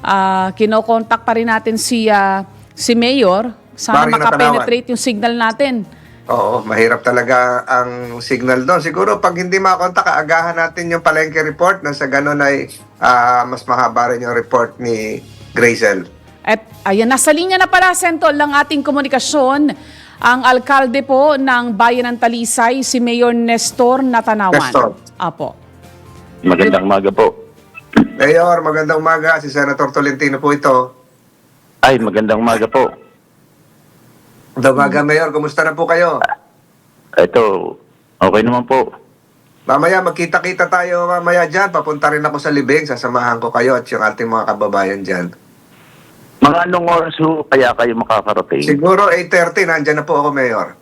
kinokontak pa rin natin si Mayor. Sana Mario makapenetrate yung signal natin. Oo, mahirap talaga ang signal doon. Siguro pag hindi makakontak, agahan natin yung palengke report na sa ganun ay mas mahaba rin yung report ni Grazel. At ayan, nasa linya na pala, Sentol, ng ating komunikasyon, ang alkalde po ng Bayan ng Talisay, si Mayor Nestor Natanawan. Nestor. Apo. Magandang umaga po. Mayor, magandang umaga. Si Senator Tolentino po ito. Ay, magandang umaga po. Magandang umaga, Mayor. Kumusta na po kayo? Ito, okay naman po. Mamaya, magkita-kita tayo mamaya dyan. Papunta rin ako sa Libing. Sasamahan ko kayo at yung ating mga kababayan dyan. Mga anong oras ho kaya kayo makakarating? Siguro 8:30, nandyan na po ako, Mayor.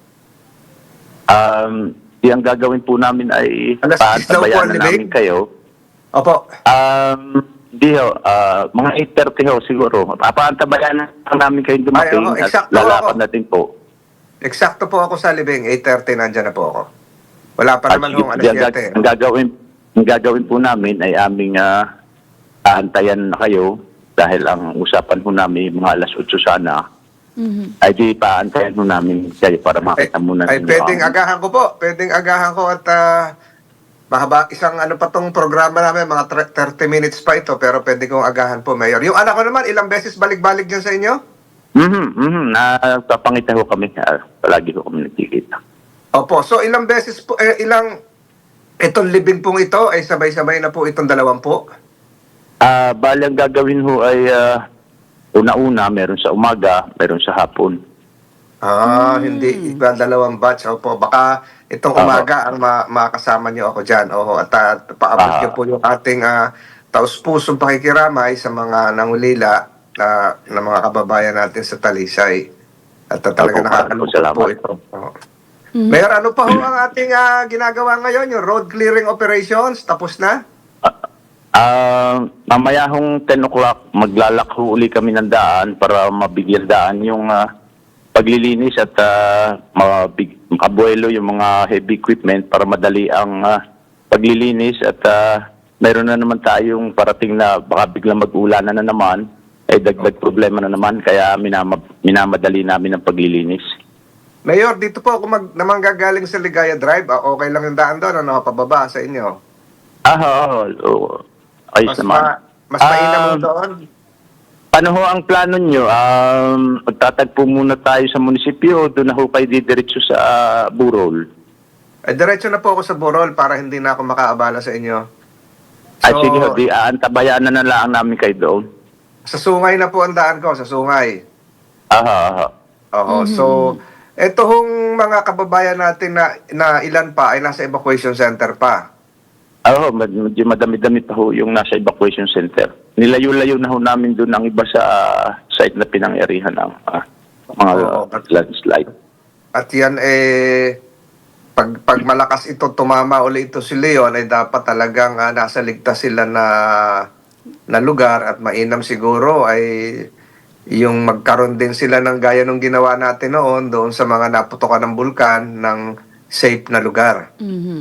Yung gagawin po namin ay Alas 10 daw po paantabayan ang na libing? namin kayo. Opo. Di ho, mga 8:30 ho siguro. Paantabayan na namin kayo dumating Ay, oo, at eksakto lalakad ako. natin po. Eksakto po ako sa Libing. 8:30, nandyan na po ako. Wala pa At naman sige, hong alas 7. ang gagawin po namin ay aming aantayan na kayo dahil ang usapan po namin mga alas 8 sana ay di paantayan po namin kayo para makita muna Ay, ninyo pwedeng ang- agahan ko po. Pwedeng agahan ko at mahaba, isang ano pa tong programa namin, mga 30 minutes pa ito, pero pwede kong agahan po, Mayor. Yung anak ko naman, ilang beses balik-balik dyan sa inyo? Napapangita ko kami. Palagi ko kami nagkikita. Opo, so ilang beses po, itong libing pong ito, ay sabay-sabay na po itong 2 po? Bali ang gagawin ho ay una-una, meron sa umaga, meron sa hapon. Hindi. Iba 2 batch. Opo, baka itong umaga ang makasama niyo ako dyan. Oho, at paabot niyo po yung ating taus-pusong pakikiramay sa mga nangulila na mga kababayan natin sa Talisay. At talaga Opo, nakakalungkot salamat. po ito. Oo. Mayor, ano pa ho ang ating ginagawa ngayon? Yung road clearing operations, tapos na? Mamaya hong 10 o'clock, maglalakho uli kami ng daan para mabigyan daan yung paglilinis at makabuelo yung mga heavy equipment para madali ang paglilinis at mayroon na naman tayong parating na baka biglang mag-ulanan na naman ay dagdag problema na naman kaya minamadali namin ang paglilinis. Mayor, dito po ako naman gagaling sa Ligaya Drive. Okay lang yung daan doon, ano, pababa sa inyo? Oo. Ayos naman. Mas mainam mo doon? Paano ho ang plano nyo? Magtatagpo muna tayo sa munisipyo, doon na ho kayo didiretso sa Burol. Diretso na po ako sa Borol para hindi na ako makaabala sa inyo. Ay sige ho, di aantabayan na lang namin kayo doon. Sa Sungay na po ang daan ko, sa Sungay. Oo, so eto hong mga kababayan natin na ilan pa ay nasa evacuation center pa. Medyo madami-dami pa ho yung nasa evacuation center. Nilayo-layo na ho namin doon ang iba sa site na pinangyarihan ng mga landslide. At yan pag malakas ito, tumama ulit ito si Leon, ay dapat talagang nasa ligtas sila na lugar at mainam siguro ay yung magkaroon din sila ng gaya ng ginawa natin noon doon sa mga naputokan ng bulkan ng safe na lugar.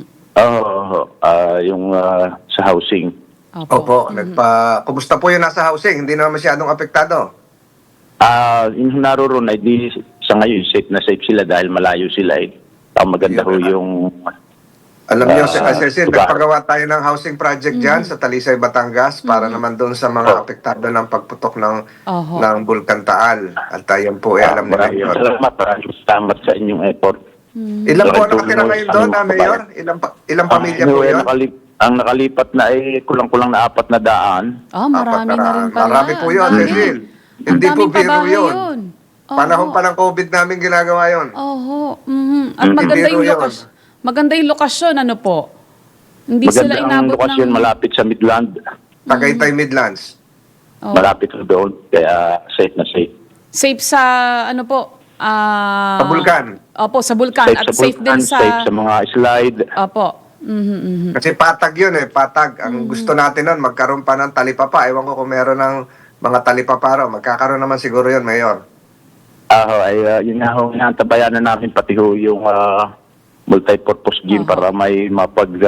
Yung sa housing. Opo. Kumusta po yung nasa housing? Hindi naman masyadong apektado? Yung naroon ay di sa ngayon safe na safe sila dahil malayo sila eh. Ang maganda ho yung Alam niyo, Cecil, nagpagawa tayo ng housing project dyan sa Talisay, Batangas para naman doon sa mga apektado ng pagputok ng Bulkan Taal. At tayo po alam nila yun. Salamat sa inyong effort. Ilan po nakatira ngayon doon, Mayor? Ilang pamilya po yun? Ang nakalipat na ay kulang-kulang na 4 na daan. Marami na rin pala. Marami po yun, Cecil. Hindi po biro yun. Panahon pa ng COVID namin ginagawa yun. At maganda yung lokasyon, ano po? Hindi sila Maganda ang inabot lokasyon, malapit sa Midland. Tagaytay Midlands. Malapit ho doon, kaya safe na safe. Safe sa, ano po? Sa Bulkan. Opo, sa Bulkan. At safe din sa... Safe sa mga slide. Opo. Kasi patag yun patag. Ang gusto natin nun, magkaroon pa ng talipapa. Ewan ko kung meron ng mga talipapa raw. Magkakaroon naman siguro yun, Mayor. Yun nga ho, inaantabayan na namin pati ho yung multi-purpose gym para may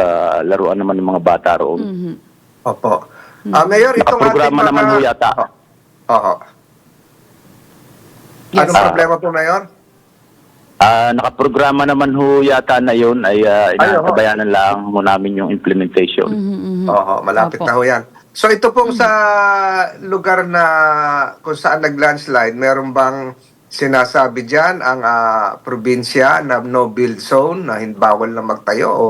mapaglaruan naman ng mga bata roon. Opo. Mayor, itong ating Nakaprograma naman ho yata. Oo. Yes. Anong problema po, Mayor? Nakaprograma naman ho yata na yun ay inaantabayanan lang mo namin yung implementation. Oo, malapit Opo. na ho yan. So ito pong sa lugar na kung saan nag-landslide, meron bang sinasabi dyan ang probinsya na no build zone na bawal na magtayo o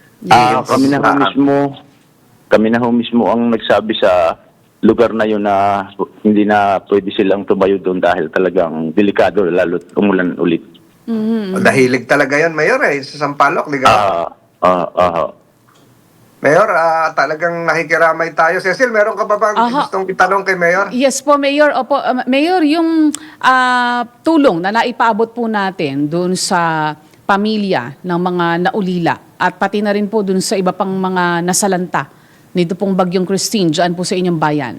Kami na ho mismo ang nagsabi sa lugar na yun na hindi na pwede silang tumayo doon dahil talagang delikado lalo't umulan ulit. Dahilig talaga yan, Mayor, sa Sampaloc, ligaw. Mayor, talagang nakikiramay tayo. Cecil, meron ka ba bang gustong itanong kay Mayor? Yes po, Mayor. Opo, Mayor, yung tulong na naipaabot po natin doon sa pamilya ng mga naulila at pati na rin po doon sa iba pang mga nasalanta nito pong Bagyong Christine dyan po sa inyong bayan.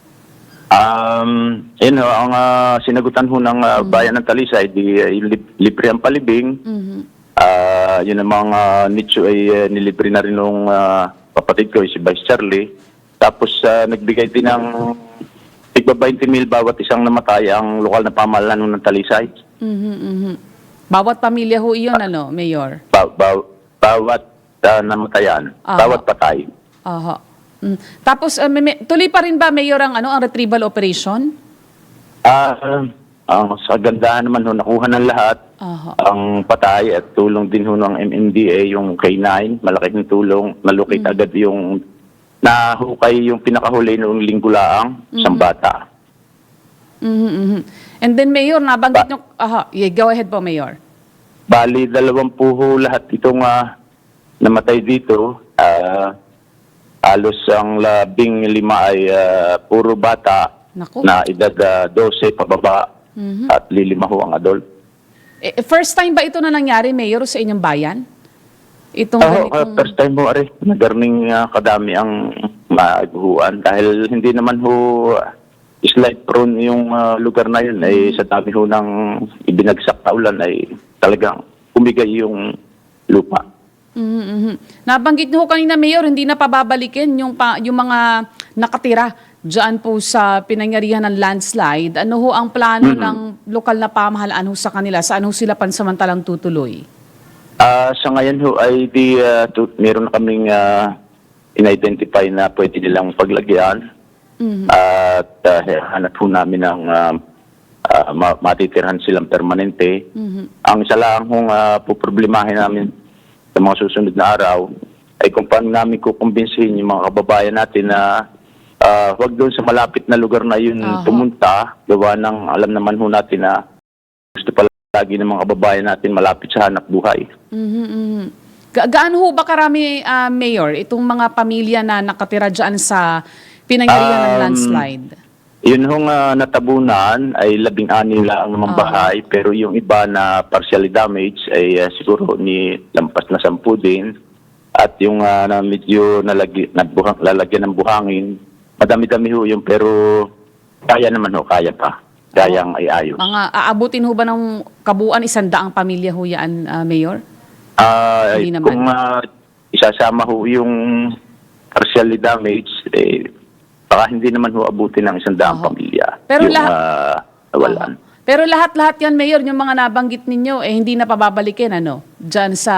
Yun ho, ang sinagutan ho ng bayan ng Talisay, libre ang palibing. Yun ang mga nicho ay nilibre na rin nung kapatid ko, si Vice Charlie. Tapos nagbigay din ng tigba 20,000 bawat isang namatay ang lokal na pamahalaan ng Talisay. Bawat pamilya ho iyon, Mayor? Bawat namatayan, bawat patay. Aha. Tapos, tuloy pa rin ba, Mayor, ang retrieval operation? Sa gandahan naman ho, nakuha ng lahat. Ang patay at tulong din ho ng MMDA, yung K9, malaking tulong, nalukit agad yung nahukay yung pinakahuli noong linggo laang, isang bata. And then, Mayor, nabanggit nyo, go ahead po, Mayor. Bali, 20 ho lahat itong namatay dito. Halos ang 15 ay puro bata. Naku. Na edad 12 pababa at 5 ho ang adult. First time ba ito na nangyari, Mayor, sa inyong bayan? Itong First time ho, nagarning kadami ang maiguhuan dahil hindi naman ho slide prone yung lugar na yun. Sa dami ho ng ibinagsak na ulan ay talagang umigay yung lupa. Nabanggit niyo ho kanina, Mayor, hindi na pababalikin yung mga nakatira dyan po sa pinangyarihan ng landslide. Ano ho ang plano ng lokal na pamahalaan ho sa kanila? Saan ho sila pansamantalang tutuloy? Sa ngayon ho ay meron na kaming in-identify na pwede nilang paglagyan. At hanap ho namin ng matitirhan silang permanente. Ang isa lang hong puproblemahin namin sa mga susunod na araw ay kung paano namin kukumbinsihin yung mga kababayan natin na huwag doon sa malapit na lugar na yun pumunta. Gawa ng alam naman ho natin na gusto pala lagi ng mga kababayan natin malapit sa hanap buhay. Gaano ho ba karami, Mayor, itong mga pamilya na nakatira dyan sa pinangyarihan ng landslide? Yun hong natabunan ay 16 lang naman bahay, pero yung iba na partially damaged ay siguro ni lampas na 10 din. At yung na medyo lalagyan ng buhangin, madami-dami ho yun, pero kaya naman ho, kaya pa. Kayang ay ayos. Mga aabutin ho ba ng kabuuan 100 pamilya ho yan, Mayor? Hindi naman. Kung isasama ho yung partially damaged, baka hindi naman ho abutin ng 100 pamilya. Pero yung nawalan. Pero lahat-lahat yan, Mayor, yung mga nabanggit ninyo, hindi na pababalikin, dyan sa...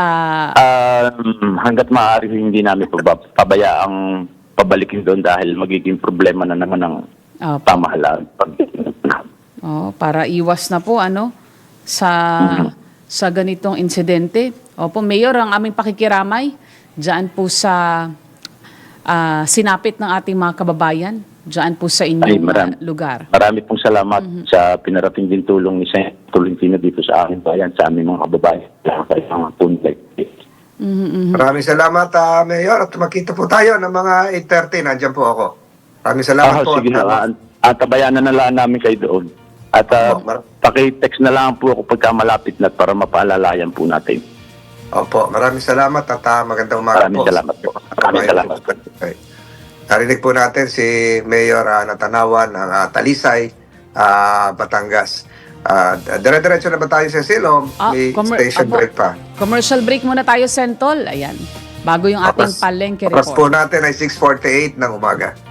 Hanggat maaari hindi namin pabayaang pabalikin doon dahil magiging problema na naman ng pamahalaan. Para iwas na po, sa ganitong insidente. Opo, Mayor, ang aming pakikiramay dyan po sa sinapit ng ating mga kababayan, dyan po sa inyong lugar. Marami pong salamat sa pinarating din tulong ni Sen. Tolentino dito sa aming bayan, sa aming mga kababayan. Maraming salamat, Mayor. At makita po tayo ng mga 8:30. Nandiyan po ako. Maraming salamat po. Sige na. Tabayanan na lang namin kayo doon. At paki-text na lang po ako pagka malapit na para mapaalalayan po natin. Opo, maraming salamat at magandang umaga po. Maraming salamat po. Maraming salamat po. Narinig po natin si Mayor Natanawan ng Talisay, Batangas. Dire-diretso na ba tayo, Cecil? May station break pa? Commercial break muna tayo, Sentol. Ayan. Bago yung ating palengke report. Oras po natin ay 6:48 ng umaga.